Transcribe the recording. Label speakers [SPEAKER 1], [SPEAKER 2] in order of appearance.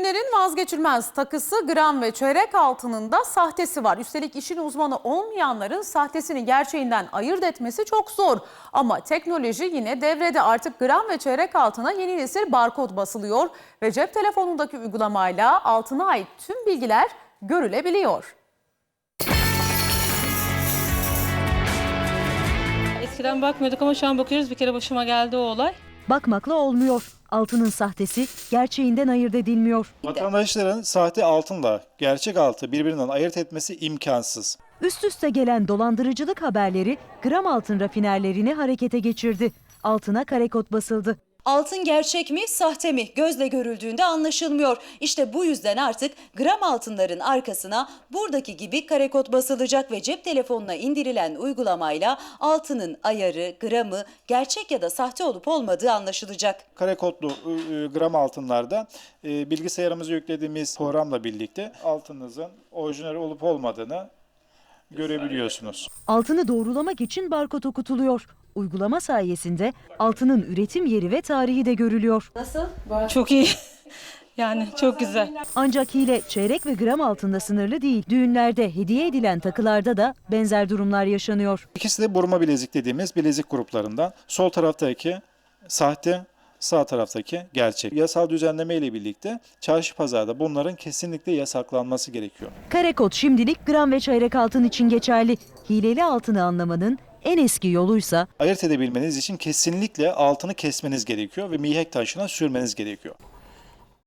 [SPEAKER 1] Gençlerin vazgeçilmez takısı gram ve çeyrek altının da sahtesi var. Üstelik işin uzmanı olmayanların sahtesini gerçeğinden ayırt etmesi çok zor. Ama teknoloji yine devrede, artık gram ve çeyrek altına yeni nesil barkod basılıyor ve cep telefonundaki uygulamayla altına ait tüm bilgiler görülebiliyor.
[SPEAKER 2] Eskiden bakmıyorduk ama şu an bakıyoruz. Bir kere başıma geldi o olay.
[SPEAKER 3] Bakmakla olmuyor. Altının sahtesi gerçeğinden ayırt edilmiyor.
[SPEAKER 4] Vatandaşların sahte altınla gerçek altı birbirinden ayırt etmesi imkansız.
[SPEAKER 3] Üst üste gelen dolandırıcılık haberleri gram altın rafinerlerini harekete geçirdi. Altına kare kod basıldı.
[SPEAKER 5] Altın gerçek mi, sahte mi? Gözle görüldüğünde anlaşılmıyor. İşte bu yüzden artık gram altınların arkasına buradaki gibi kare kod basılacak ve cep telefonuna indirilen uygulamayla altının ayarı, gramı, gerçek ya da sahte olup olmadığı anlaşılacak.
[SPEAKER 4] Kare kodlu gram altınlarda bilgisayarımıza yüklediğimiz programla birlikte altınızın orijinal olup olmadığını görebiliyorsunuz.
[SPEAKER 3] Altını doğrulamak için barkod okutuluyor. Uygulama sayesinde altının üretim yeri ve tarihi de görülüyor.
[SPEAKER 2] Çok iyi. Yani çok güzel.
[SPEAKER 3] Ancak hile çeyrek ve gram altında sınırlı değil. Düğünlerde hediye edilen takılarda da benzer durumlar yaşanıyor.
[SPEAKER 4] İkisi de burma bilezik dediğimiz bilezik gruplarından. Sol taraftaki sahte, sağ taraftaki gerçek. Yasal düzenleme ile birlikte çarşı pazarda bunların kesinlikle yasaklanması gerekiyor.
[SPEAKER 3] Kare kod şimdilik gram ve çeyrek altın için geçerli. Hileli altını anlamanın en eski yoluysa
[SPEAKER 4] Ayırt edebilmeniz için kesinlikle altını kesmeniz gerekiyor ve mihenk taşına sürmeniz gerekiyor.